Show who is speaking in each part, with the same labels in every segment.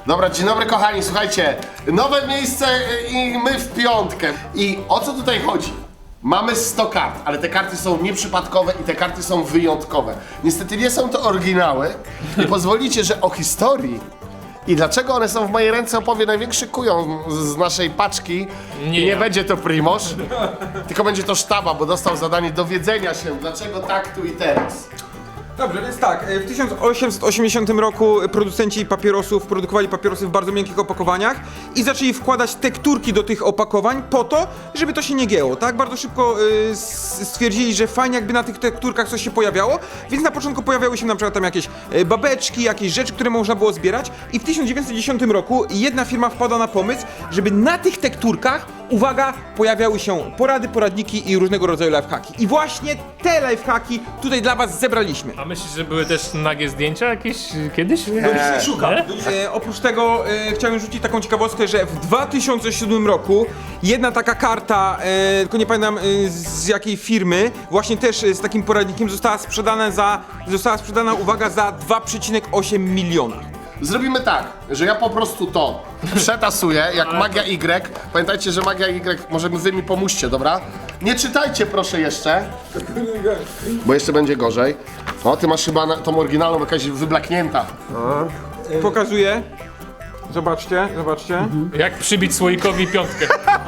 Speaker 1: Dobra, dzień dobry kochani, słuchajcie, nowe miejsce i my w piątkę. I o co tutaj chodzi? Mamy 100 kart, ale te karty są nieprzypadkowe i te karty są wyjątkowe. Niestety nie są to oryginały i pozwolicie, że o historii i dlaczego one są w mojej ręce opowie największy kujon z naszej paczki.
Speaker 2: Nie
Speaker 1: I nie
Speaker 2: ja.
Speaker 1: będzie to Primoż, tylko będzie to Sztaba, bo dostał zadanie dowiedzenia się, dlaczego tak tu i teraz.
Speaker 3: Dobrze, więc tak, w 1880 roku producenci papierosów produkowali papierosy w bardzo miękkich opakowaniach i zaczęli wkładać tekturki do tych opakowań po to, żeby to się nie gięło, tak? Bardzo szybko stwierdzili, że fajnie jakby na tych tekturkach coś się pojawiało, więc na początku pojawiały się na przykład tam jakieś babeczki, jakieś rzeczy, które można było zbierać i w 1910 roku jedna firma wpadła na pomysł, żeby na tych tekturkach, uwaga, pojawiały się porady, poradniki i różnego rodzaju lifehacki. I właśnie te lifehacki tutaj dla was zebraliśmy.
Speaker 2: A myślisz, że były też nagie zdjęcia jakieś kiedyś?
Speaker 3: Szukam. Oprócz tego chciałem rzucić taką ciekawostkę, że w 2007 roku jedna taka karta, tylko nie pamiętam z jakiej firmy, właśnie też z takim poradnikiem została sprzedana, uwaga, za 2,8 miliona.
Speaker 1: Zrobimy tak, że ja po prostu to przetasuję, jak Magia Y. Pamiętajcie, że Magia Y, może wy mi pomóżcie, dobra? Nie czytajcie proszę jeszcze, bo jeszcze będzie gorzej. O, ty masz chyba tą oryginalną jakaś wyblaknięta.
Speaker 3: Pokazuję. Zobaczcie.
Speaker 2: Jak przybić słoikowi piątkę?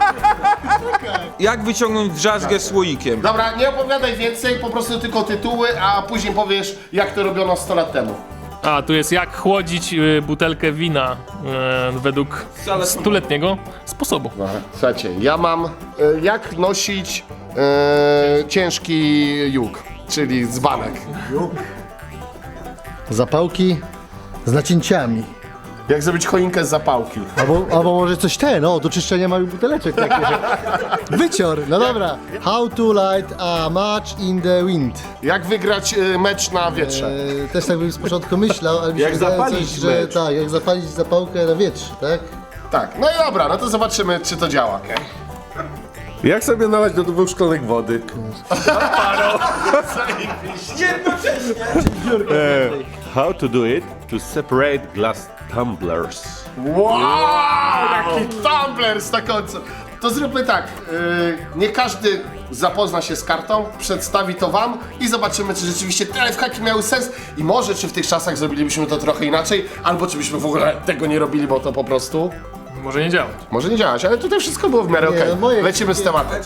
Speaker 3: Jak wyciągnąć drzazgę słoikiem.
Speaker 1: Dobra, nie opowiadaj więcej, po prostu tylko tytuły, a później powiesz, jak to robiono 100 lat temu.
Speaker 2: A, tu jest jak chłodzić butelkę wina według stuletniego sposobu.
Speaker 1: Słuchajcie, ja mam jak nosić ciężki juk, czyli dzbanek.
Speaker 4: Zapałki z nacięciami.
Speaker 1: Jak zrobić choinkę z zapałki.
Speaker 4: Albo może coś do czyszczenia małych buteleczek takie, że... Wycior, no dobra. How to light a match in the wind.
Speaker 1: Jak wygrać mecz na wietrze.
Speaker 4: Też tak bym z początku myślał, ale mi się
Speaker 5: Jak
Speaker 4: wydaje
Speaker 5: zapalić
Speaker 4: coś, że
Speaker 5: mecz.
Speaker 4: tak, jak zapalić zapałkę na wietrze, tak?
Speaker 1: Tak, no i dobra, no to zobaczymy, czy to działa.
Speaker 5: Jak sobie nalać do 2 szklanek wody? How to do it to separate glass tumblers.
Speaker 1: Wow, jaki tumbler z taką... To zróbmy tak, nie każdy zapozna się z kartą, przedstawi to wam i zobaczymy, czy rzeczywiście te lifehacki miały sens i może czy w tych czasach zrobilibyśmy to trochę inaczej, albo czy byśmy w ogóle tego nie robili, bo to po prostu
Speaker 2: Może nie działać.
Speaker 1: może nie działać, ale tutaj wszystko było w miarę
Speaker 4: Nie,
Speaker 1: okej.
Speaker 4: no moje-
Speaker 1: Lecimy z tematem.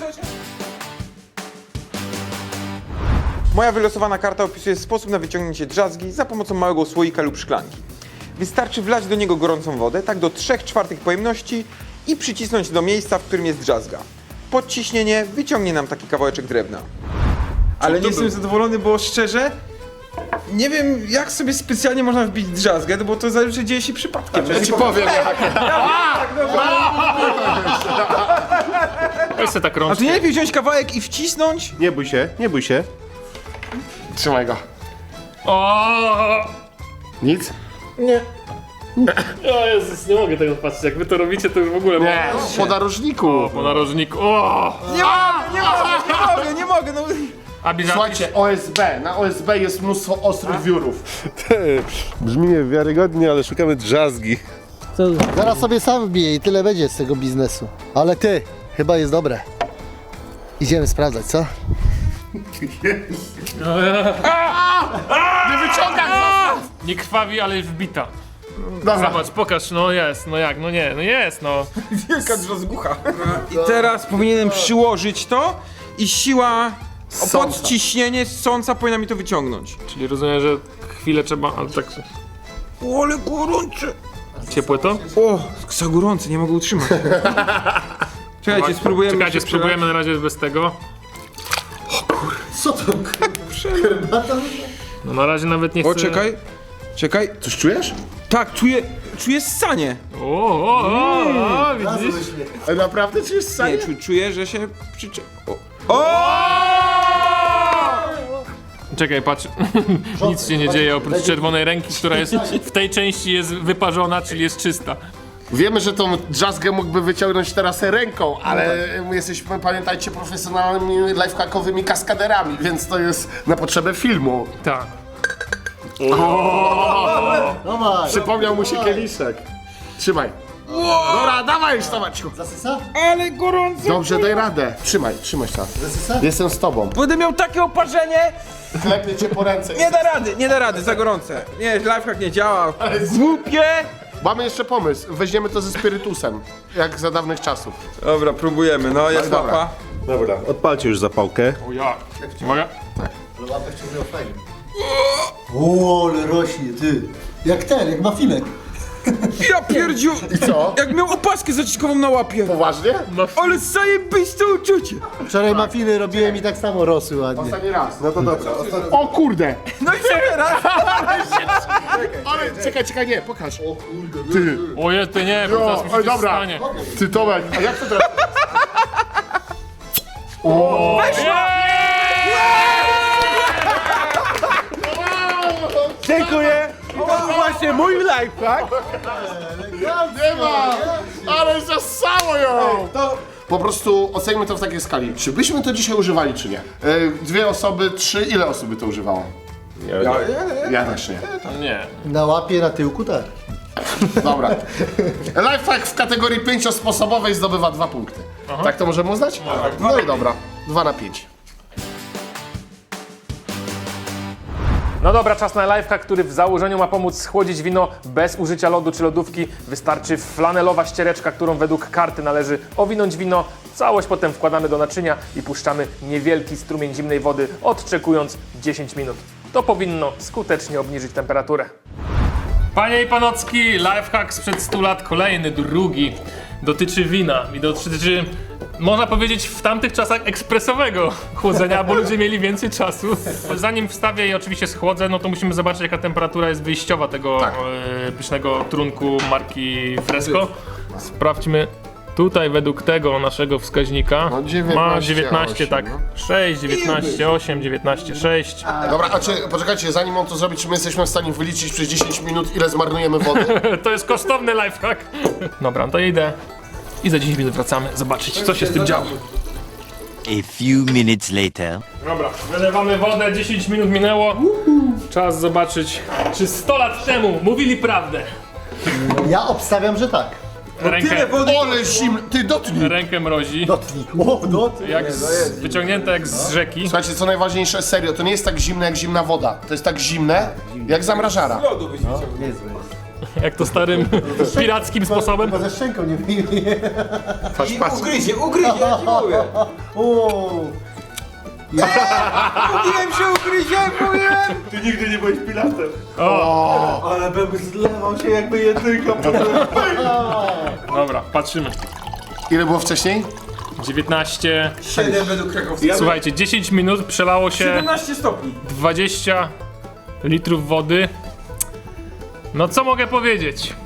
Speaker 3: Moja wylosowana karta opisuje sposób na wyciągnięcie drzazgi za pomocą małego słoika lub szklanki. Wystarczy wlać do niego gorącą wodę, tak do 3/4 pojemności i przycisnąć do miejsca, w którym jest drzazga. Podciśnienie wyciągnie nam taki kawałeczek drewna. Ale nie jestem zadowolony, bo szczerze nie wiem, jak sobie specjalnie można wbić drzazgę, bo to zazwyczaj dzieje się przypadkiem.
Speaker 1: Ja ci powiem jak.
Speaker 2: Weź se tak
Speaker 3: A to
Speaker 2: rączkę.
Speaker 3: nie lepiej wziąć kawałek i wcisnąć?
Speaker 5: Nie bój się, nie bój się.
Speaker 1: Trzymaj go.
Speaker 2: O
Speaker 1: Nic?
Speaker 2: Jezus, nie mogę tego patrzeć. Jak wy to robicie, to już w ogóle...
Speaker 1: Nie, po narożniku.
Speaker 2: Po narożniku. O!
Speaker 3: Nie mogę, no.
Speaker 2: Abi,
Speaker 1: Słuchajcie, OSB. Na OSB jest mnóstwo ostrych wiórów.
Speaker 5: Brzmi niewiarygodnie, ale szukamy drzazgi.
Speaker 4: Zaraz sobie sam wbiję i tyle będzie z tego biznesu. Ale ty, chyba jest dobre. Idziemy sprawdzać, co?
Speaker 1: Nie wyciągaj go!
Speaker 2: Nie krwawi, ale jest wbita.
Speaker 1: Dobra.
Speaker 2: Zobacz, pokaż, no jest, no jak, no nie, no jest, no.
Speaker 3: Wielka drzazgucha. I teraz powinienem przyłożyć to i siła
Speaker 1: Sąca.
Speaker 3: podciśnienie sąca powinna mi to wyciągnąć.
Speaker 2: Czyli rozumiem, że chwilę trzeba, ale tak...
Speaker 3: O, ale gorące!
Speaker 2: Ciepłe to?
Speaker 3: O, za gorące, nie mogę utrzymać. Czekajcie, spróbujemy.
Speaker 2: Czekajcie,
Speaker 3: się
Speaker 2: spróbujemy na razie bez tego.
Speaker 4: Co to? Herbata?
Speaker 2: No na razie nawet nie chcę...
Speaker 3: O, czekaj.
Speaker 1: Coś czujesz?
Speaker 3: Tak, czuję ssanie.
Speaker 2: O, widzisz?
Speaker 1: Naprawdę czujesz sam?
Speaker 3: Nie, czuję, że się O!
Speaker 2: Czekaj, patrz. Nic się nie dzieje oprócz czerwonej ręki, która jest w tej części jest wyparzona, czyli jest czysta.
Speaker 1: Wiemy, że tą drzazgę mógłby wyciągnąć teraz ręką, ale my jesteśmy, pamiętajcie, profesjonalnymi lifehackowymi kaskaderami, więc to jest na potrzebę filmu.
Speaker 2: Tak.
Speaker 4: Dawaj.
Speaker 1: Przypomniał mu się kieliszek. Trzymaj. Dobra, dawaj już, Tomaciu.
Speaker 4: Zasysa?
Speaker 3: Ale gorąco!
Speaker 1: Dobrze, daj radę. Trzymaj tam.
Speaker 4: Zasysa?
Speaker 1: Jestem z tobą.
Speaker 3: Będę miał takie oparzenie!
Speaker 1: Klepnie cię po ręce.
Speaker 3: Nie da rady, za gorące. Nie, lifehack nie działa. Głupie!
Speaker 1: Mamy jeszcze pomysł. Weźmiemy to ze spirytusem. Jak za dawnych czasów.
Speaker 3: Dobra, próbujemy, no jest
Speaker 1: dobra.
Speaker 3: łapa.
Speaker 5: Dobra, odpalcie już zapałkę.
Speaker 2: O ja. Uwaga.
Speaker 4: Ale łapę wciągnął fajnie. O, ale rośnie, ty. Jak mafinek.
Speaker 3: Ja pierdziu!
Speaker 1: I co?
Speaker 3: Jak miał opaskę zaciskową na łapie.
Speaker 1: Poważnie?
Speaker 3: Ale zajebiste uczucie!
Speaker 4: Wczoraj mafiny robiłem i tak samo rosły ładnie.
Speaker 1: Ostatni raz. No to dobra. O kurde!
Speaker 3: No i co teraz?
Speaker 1: Ale czekaj, nie, pokaż. O kurde. Ty.
Speaker 2: Oje, ty nie, bo teraz mi się coś
Speaker 1: dobra.
Speaker 2: stanie.
Speaker 1: Ty Tomek, a jak to teraz?
Speaker 5: Dziękuję! To właśnie mój lifehack!
Speaker 1: Nie ma! Ale zasało ją! Po prostu ocenimy to w takiej skali. Czy byśmy to dzisiaj używali, czy nie? 2 osoby, 3, ile osób by to używało? Ja też nie.
Speaker 2: Nie.
Speaker 4: Na łapie, na tyłku, tak.
Speaker 1: Dobra. Lifehack w kategorii 5-sposobowej zdobywa 2 punkty. Tak to możemy uznać? No i dobra. 2 na 5.
Speaker 2: No dobra, czas na lifehack, który w założeniu ma pomóc schłodzić wino bez użycia lodu czy lodówki. Wystarczy flanelowa ściereczka, którą według karty należy owinąć wino. Całość potem wkładamy do naczynia i puszczamy niewielki strumień zimnej wody, odczekując 10 minut. To powinno skutecznie obniżyć temperaturę. Panie i panocki, lifehack sprzed 100 lat, kolejny, drugi. Dotyczy wina i dotyczy, można powiedzieć, w tamtych czasach ekspresowego chłodzenia, bo ludzie mieli więcej czasu. Zanim wstawię i oczywiście schłodzę, no to musimy zobaczyć, jaka temperatura jest wyjściowa tego pysznego trunku marki Fresco. Sprawdźmy. Tutaj według tego naszego wskaźnika
Speaker 1: No, 19,
Speaker 2: ma 19,
Speaker 1: 8,
Speaker 2: tak,
Speaker 1: no.
Speaker 2: 6, 19, 8, 19, 6.
Speaker 1: Dobra, a czy, poczekajcie, zanim on to zrobi, czy my jesteśmy w stanie wyliczyć przez 10 minut, ile zmarnujemy wody?
Speaker 2: To jest kosztowny lifehack. Dobra, to idę i za 10 minut wracamy zobaczyć, co się z tym działo.
Speaker 6: A few minutes later.
Speaker 2: Dobra, wylewamy wodę, 10 minut minęło. Czas zobaczyć, czy 100 lat temu mówili prawdę.
Speaker 4: Ja obstawiam, że tak.
Speaker 2: Rękę,
Speaker 1: Ole zimny, ty dotknij!
Speaker 2: rękę mrozi,
Speaker 4: Dotnij. O, dotnij.
Speaker 2: wyciągnięte jak z rzeki.
Speaker 1: Słuchajcie, co najważniejsze, serio, to nie jest tak zimne jak zimna woda. To jest tak zimne, jak zamrażara.
Speaker 4: Niezłe.
Speaker 2: Jak to starym pirackim sposobem.
Speaker 4: Chyba ze szczęką nie wyjmie.
Speaker 1: Patrz, patrz.
Speaker 3: Ugryzie, ja ci mówię.
Speaker 4: O,
Speaker 3: Mówiłem, że ugryzie, mówiłem!
Speaker 5: Ty nigdy nie byłeś pilatem.
Speaker 4: ale bym zlewał się jakby jedynka.
Speaker 2: Dobra, patrzymy.
Speaker 1: Ile było wcześniej?
Speaker 2: 19.
Speaker 3: 7 według krakowskiego.
Speaker 2: Słuchajcie, 10 minut przelało się
Speaker 3: 17 stopni.
Speaker 2: 20 litrów wody. No co mogę powiedzieć?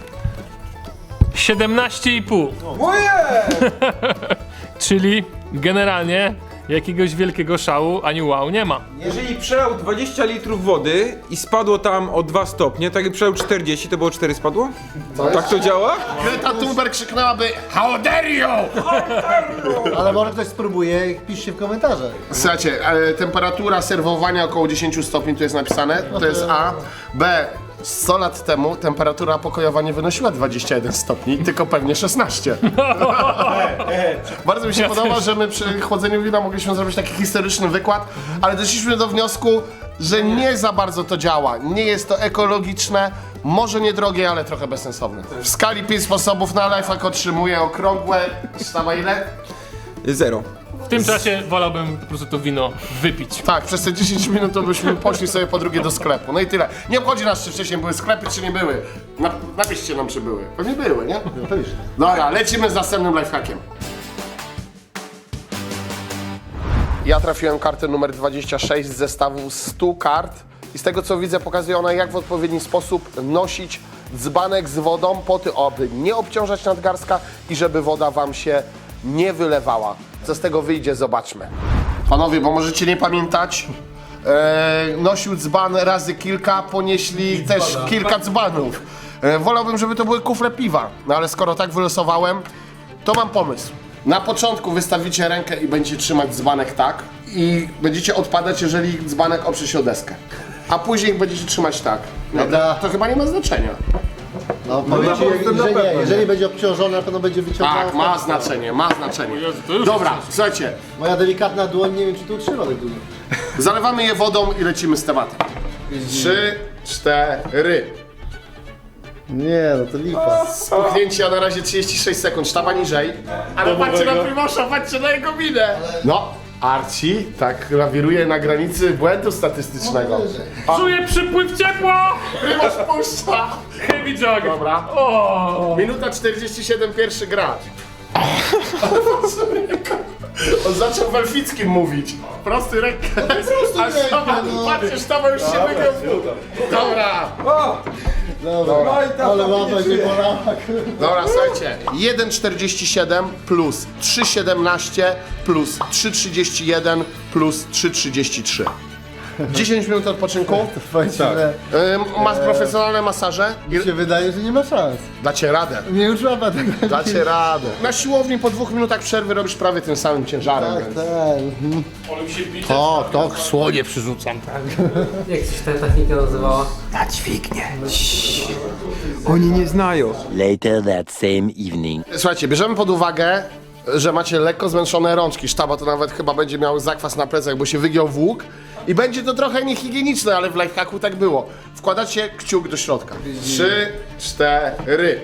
Speaker 2: 17,5.
Speaker 3: Moje!
Speaker 2: Czyli generalnie jakiegoś wielkiego szału ani wow nie ma.
Speaker 3: Jeżeli przelał 20 litrów wody i spadło tam o 2 stopnie, tak jak przelał 40, to było 4 spadło? Tak to działa?
Speaker 1: Greta Thunberg krzyknęłaby How dare you!
Speaker 4: Ale może ktoś spróbuje, piszcie w komentarzach.
Speaker 1: Słuchajcie, temperatura serwowania około 10 stopni, tu jest napisane, to jest A. B. 100 lat temu temperatura pokojowa nie wynosiła 21 stopni, tylko pewnie 16. Bardzo mi się podoba, że my przy chłodzeniu wina mogliśmy zrobić taki historyczny wykład, ale doszliśmy do wniosku, że nie za bardzo to działa. Nie jest to ekologiczne, może niedrogie, ale trochę bezsensowne. W skali 5 sposobów na lifehack otrzymuję okrągłe, sama ile?
Speaker 3: 0.
Speaker 2: W tym czasie wolałbym po prostu to wino wypić.
Speaker 1: Tak, przez te 10 minut to byśmy poszli sobie po drugie do sklepu. No i tyle. Nie obchodzi nas, czy wcześniej były sklepy, czy nie były. Napiszcie nam, czy były. Pewnie były, nie? Dobra, lecimy z następnym lifehackiem. Ja trafiłem kartę numer 26 z zestawu 100 kart i z tego co widzę pokazuje ona, jak w odpowiedni sposób nosić dzbanek z wodą po to, aby nie obciążać nadgarstka i żeby woda wam się nie wylewała. Co z tego wyjdzie, zobaczmy. Panowie, bo możecie nie pamiętać, nosił dzban razy kilka, ponieśli też kilka dzbanów. Wolałbym, żeby to były kufle piwa, no ale skoro tak wylosowałem, to mam pomysł. Na początku wystawicie rękę i będziecie trzymać dzbanek tak i będziecie odpadać, jeżeli dzbanek oprze się o deskę. A później będziecie trzymać tak. No,
Speaker 4: Dobra.
Speaker 1: to chyba nie ma znaczenia.
Speaker 4: No powiem ci, jeżeli będzie obciążone, na pewno będzie wyciągane.
Speaker 1: Tak, ma znaczenie, ma znaczenie. Dobra, słuchajcie,
Speaker 4: Moja delikatna dłoń, nie wiem czy to utrzyma tak długo.
Speaker 1: zalewamy je wodą i lecimy z tematem. 3, 4.
Speaker 4: Nie, no to lipa.
Speaker 1: Spuchnięcie, a na razie 36 sekund, sztaba niżej. Ale patrzcie na Primosza, patrzcie na jego minę. No, Arci tak lawiruje na granicy błędu statystycznego.
Speaker 2: Czuję przypływ ciepła!
Speaker 1: Primosz puszcza.
Speaker 2: Heavy jog!
Speaker 1: Dobra. Minuta 47, pierwszy gracz. On zaczął w elfickim mówić. Prosty rękę. A sztaba, patrzcie, sztaba już się wygrał. Dobra.
Speaker 4: Dobra, ale łapa się bolała.
Speaker 1: Dobra, słuchajcie. 1,47 plus 3,17 plus 3,31 plus 3,33. 10 minut odpoczynku.
Speaker 4: Powiem ci, że
Speaker 1: Masz profesjonalne masaże.
Speaker 4: mi się wydaje, że nie ma szans.
Speaker 1: Dacie radę.
Speaker 4: Nie już łapa tak.
Speaker 1: Dacie radę. Na siłowni po 2 minutach przerwy robisz prawie tym samym ciężarem.
Speaker 4: Tak,
Speaker 1: Więc.
Speaker 4: tak.
Speaker 2: Ale mi się bije.
Speaker 1: To słonie przyrzucam.
Speaker 7: Jak się ta technika nazywała?
Speaker 3: Oni nie znają.
Speaker 6: Later that same evening.
Speaker 1: Słuchajcie, bierzemy pod uwagę, że macie lekko zmęczone rączki. Sztaba to nawet chyba będzie miał zakwas na plecach, bo się wygiął w łuk. I będzie to trochę niehigieniczne, ale w lifehacku tak było. Wkładacie kciuk do środka. 3, 4.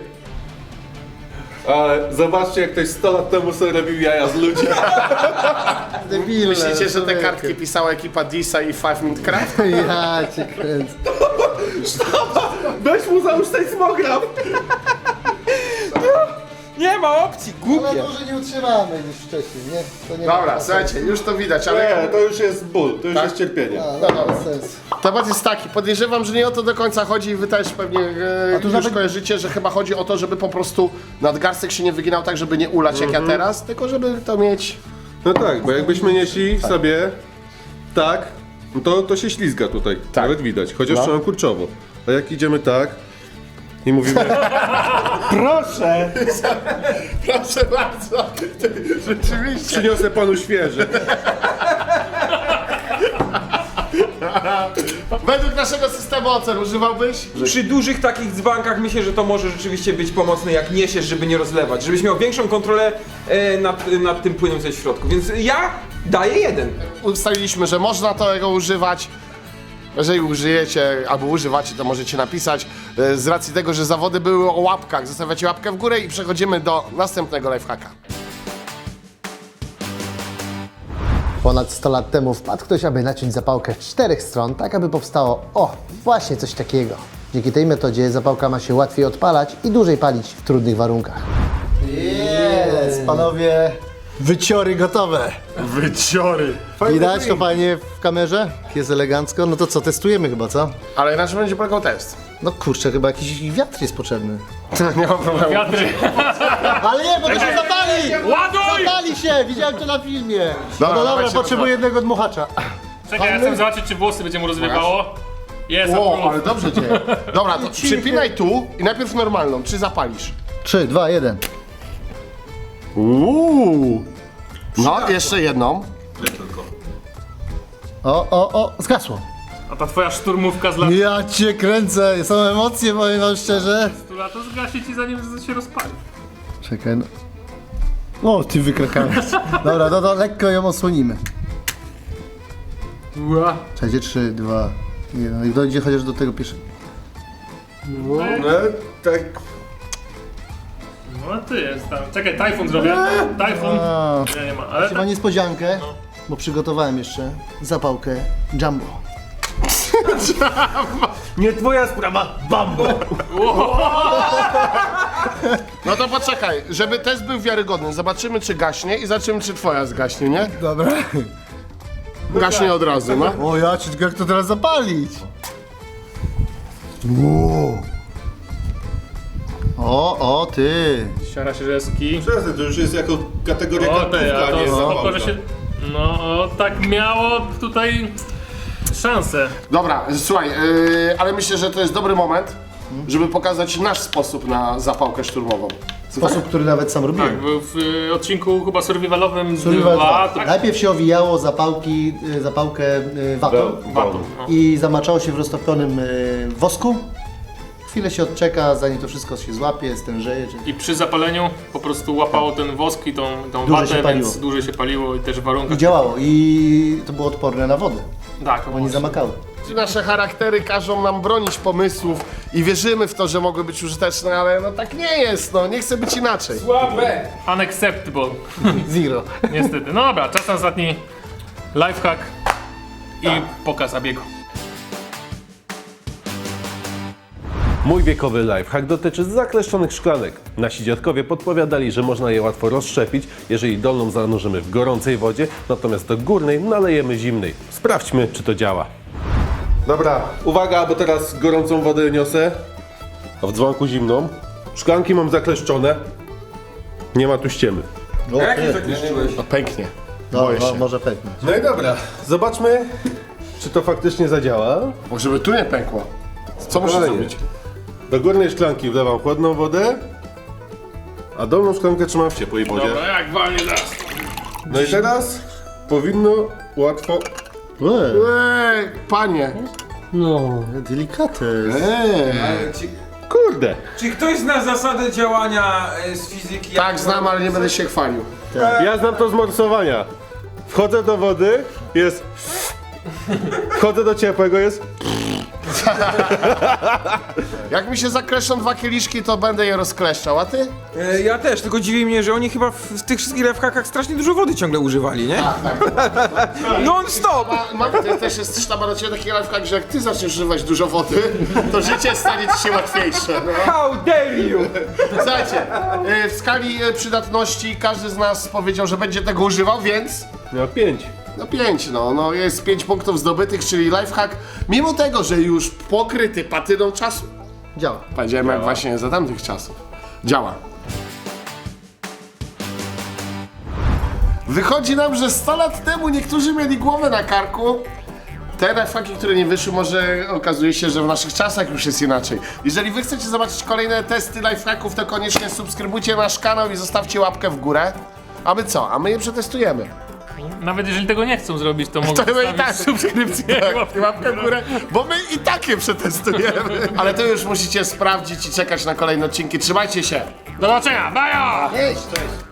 Speaker 5: Ale zobaczcie, jak ktoś 100 lat temu sobie robił jaja z ludzi.
Speaker 4: Debilne.
Speaker 1: Myślicie, że te
Speaker 4: człowieku.
Speaker 1: kartki pisała ekipa Disa i 5 Minute Craft?
Speaker 4: Ja cię kręcę.
Speaker 5: Weź mu załóż ten smograf.
Speaker 3: Nie ma opcji,
Speaker 4: Ale
Speaker 3: głupie.
Speaker 4: może nie utrzymamy niż wcześniej, nie? To nie
Speaker 1: Dobra,
Speaker 4: ma
Speaker 1: słuchajcie, już to widać, ale...
Speaker 5: Nie, to już jest ból, to już
Speaker 1: Tak?
Speaker 5: jest cierpienie.
Speaker 4: No, no, bez sensu.
Speaker 1: Temat jest taki, podejrzewam, że nie o to do końca chodzi i wy też pewnie
Speaker 4: tu
Speaker 1: już
Speaker 4: nawet-
Speaker 1: kojarzycie, że chyba chodzi o to, żeby po prostu nadgarstek się nie wyginał tak, żeby nie ulać jak ja teraz, tylko żeby to mieć...
Speaker 5: No tak, bo jakbyśmy nieśli sobie tak, no to się ślizga tutaj,
Speaker 1: Tak.
Speaker 5: nawet widać, chociaż
Speaker 1: No.
Speaker 5: trzymam kurczowo. A jak idziemy tak i mówimy,
Speaker 1: Proszę bardzo, rzeczywiście.
Speaker 5: przyniosę panu świeże.
Speaker 1: Według naszego systemu ocen używałbyś?
Speaker 3: Przy dużych takich dzbankach myślę, że to może rzeczywiście być pomocne, jak niesiesz, żeby nie rozlewać, żebyś miał większą kontrolę nad tym płynem, co jest w środku. Więc ja daję 1.
Speaker 1: Ustaliliśmy, że można tego używać. Jeżeli użyjecie albo używacie, to możecie napisać. Z racji tego, że zawody były o łapkach, zostawiacie łapkę w górę i przechodzimy do następnego lifehacka.
Speaker 4: Ponad 100 lat temu wpadł ktoś, aby naciąć zapałkę z 4 stron, tak aby powstało, właśnie coś takiego. Dzięki tej metodzie zapałka ma się łatwiej odpalać i dłużej palić w trudnych warunkach. Jest, panowie, wyciory gotowe.
Speaker 1: Wyciory.
Speaker 4: Widać to fajnie w kamerze? Jest elegancko. No to co, testujemy chyba, co?
Speaker 1: Ale na czym będzie polegał test?
Speaker 4: No kurczę, chyba jakiś wiatr jest potrzebny.
Speaker 1: Nie ma problemu.
Speaker 2: Wiatry!
Speaker 4: Ale nie, bo to się zapali!
Speaker 2: Ładuj!
Speaker 4: Zapali się! Widziałem to na filmie. No
Speaker 1: Dobra,
Speaker 4: dobra,
Speaker 1: dawajcie,
Speaker 4: potrzebuję jednego dmuchacza.
Speaker 2: Czekaj, ja chcę zobaczyć, czy włosy będzie mu rozwiewało. Jest,
Speaker 1: O,
Speaker 2: approve.
Speaker 1: ale dobrze dzieje. Dobra, to przypinaj tu i najpierw normalną. Czy zapalisz?
Speaker 4: 3, 2, 1.
Speaker 1: No, jeszcze jedną.
Speaker 4: O, zgasło.
Speaker 2: A ta twoja szturmówka z lat
Speaker 4: Ja cię kręcę, są emocje, powiem wam szczerze.
Speaker 2: 100 lat, to zgasi ci zanim się rozpali.
Speaker 4: Czekaj, no. O, ty wykrakałeś. Dobra, to lekko ją osłonimy. Czekajcie, 3, 2, 1. I dojdzie chociaż do tego pierwszego.
Speaker 5: No tak,
Speaker 2: No ty jest tam. Czekaj, tajfun zrobię. Tajfun. Nie ma, ale
Speaker 4: Chyba niespodziankę, bo przygotowałem jeszcze zapałkę Jumbo.
Speaker 5: nie twoja sprawa, bambo.
Speaker 1: No to poczekaj, żeby test był wiarygodny. Zobaczymy, czy gaśnie i zobaczymy, czy twoja zgaśnie, nie?
Speaker 4: Dobra.
Speaker 1: Gaśnie od razu, no.
Speaker 4: O, ja cię, jak to teraz zapalić? Wow. O, ty.
Speaker 2: Siara się rzeski.
Speaker 5: Przestań, to już jest jako kategoria
Speaker 2: O ty, a
Speaker 5: kartówka, nie
Speaker 2: to spoko,
Speaker 5: zabawka.
Speaker 2: że się... No, o, tak miało tutaj szansę.
Speaker 1: Dobra, słuchaj, ale myślę, że to jest dobry moment, żeby pokazać nasz sposób na zapałkę szturmową.
Speaker 4: Sposób, który nawet sam robiłem.
Speaker 2: Tak, był w odcinku chyba survivalowym
Speaker 4: Survival
Speaker 2: 2,
Speaker 4: 2.
Speaker 2: tak?
Speaker 4: Najpierw się owijało zapałkę watą
Speaker 2: Watą, no.
Speaker 4: i zamaczało się w roztopionym wosku. Chwilę się odczeka, zanim to wszystko się złapie, stężeje.
Speaker 2: I przy zapaleniu po prostu łapało ten wosk i tą
Speaker 4: Dłużej się
Speaker 2: watę,
Speaker 4: paliło.
Speaker 2: więc dłużej się paliło i też w warunkach...
Speaker 4: I działało. I to było odporne na wodę,
Speaker 2: Tak,
Speaker 4: bo nie zamakały.
Speaker 1: Nasze charaktery każą nam bronić pomysłów i wierzymy w to, że mogły być użyteczne, ale no tak nie jest, no nie chcę być inaczej.
Speaker 3: Słabe!
Speaker 2: Unacceptable.
Speaker 1: Zero.
Speaker 2: Niestety. No dobra, czas na ostatni lifehack i pokaz zabiegu.
Speaker 5: Mój wiekowy lifehack dotyczy zakleszczonych szklanek. Nasi dziadkowie podpowiadali, że można je łatwo rozszczepić, jeżeli dolną zanurzymy w gorącej wodzie, natomiast do górnej nalejemy zimnej. Sprawdźmy, czy to działa. Dobra, uwaga, bo teraz gorącą wodę niosę, a w dzwonku zimną. Szklanki mam zakleszczone. Nie ma tu ściemy.
Speaker 3: Jak nie zakleszczyłeś?
Speaker 1: No pęknie.
Speaker 4: No,
Speaker 1: Boję się.
Speaker 4: może pęknąć.
Speaker 5: No i dobra, zobaczmy, czy to faktycznie zadziała.
Speaker 1: Może by tu nie pękło. Co muszę
Speaker 5: Kolejnie.
Speaker 1: zrobić?
Speaker 5: Do górnej szklanki wlewam chłodną wodę, a dolną szklankę trzymam w ciepłej wodzie.
Speaker 2: Dobra, jak walnie zaraz.
Speaker 5: No i teraz powinno łatwo...
Speaker 1: Panie.
Speaker 4: No, delikatny.
Speaker 5: Kurde!
Speaker 3: Czy ktoś zna zasadę działania z fizyki?
Speaker 1: Tak, znam, ale nie będę się chwalił.
Speaker 5: Ja znam to z morsowania. Wchodzę do wody, jest... Wchodzę do ciepłego, jest...
Speaker 1: Jak mi się zakleszczą 2 kieliszki, to będę je rozkleszczał, a ty?
Speaker 3: Ja też, tylko dziwi mnie, że oni chyba w tych wszystkich lifehackach strasznie dużo wody ciągle używali, nie? Non stop!
Speaker 1: Też jest sztaba do ciebie taki lifehack, że jak ty zaczniesz używać dużo wody, to życie stanie ci się łatwiejsze. No.
Speaker 3: How dare you!
Speaker 1: Słuchajcie, w skali przydatności każdy z nas powiedział, że będzie tego używał, więc...
Speaker 5: Miał 5.
Speaker 1: No 5, no jest 5 punktów zdobytych, czyli lifehack, mimo tego, że już pokryty patyną czasu.
Speaker 4: Działa.
Speaker 1: Powiedziałem jak właśnie za tamtych czasów. Działa. Wychodzi nam, że 100 lat temu niektórzy mieli głowę na karku. Te lifehacki, które nie wyszły, może okazuje się, że w naszych czasach już jest inaczej. Jeżeli wy chcecie zobaczyć kolejne testy lifehacków, to koniecznie subskrybujcie nasz kanał i zostawcie łapkę w górę. A my co? A my je przetestujemy.
Speaker 2: Nawet jeżeli tego nie chcą zrobić, to mogą
Speaker 1: To my i
Speaker 2: zostawić
Speaker 1: tak
Speaker 2: subskrypcję.
Speaker 1: łapkę w górę, bo my i tak je przetestujemy. Ale to już musicie sprawdzić i czekać na kolejne odcinki. Trzymajcie się!
Speaker 2: Do zobaczenia, bajo!
Speaker 4: Cześć!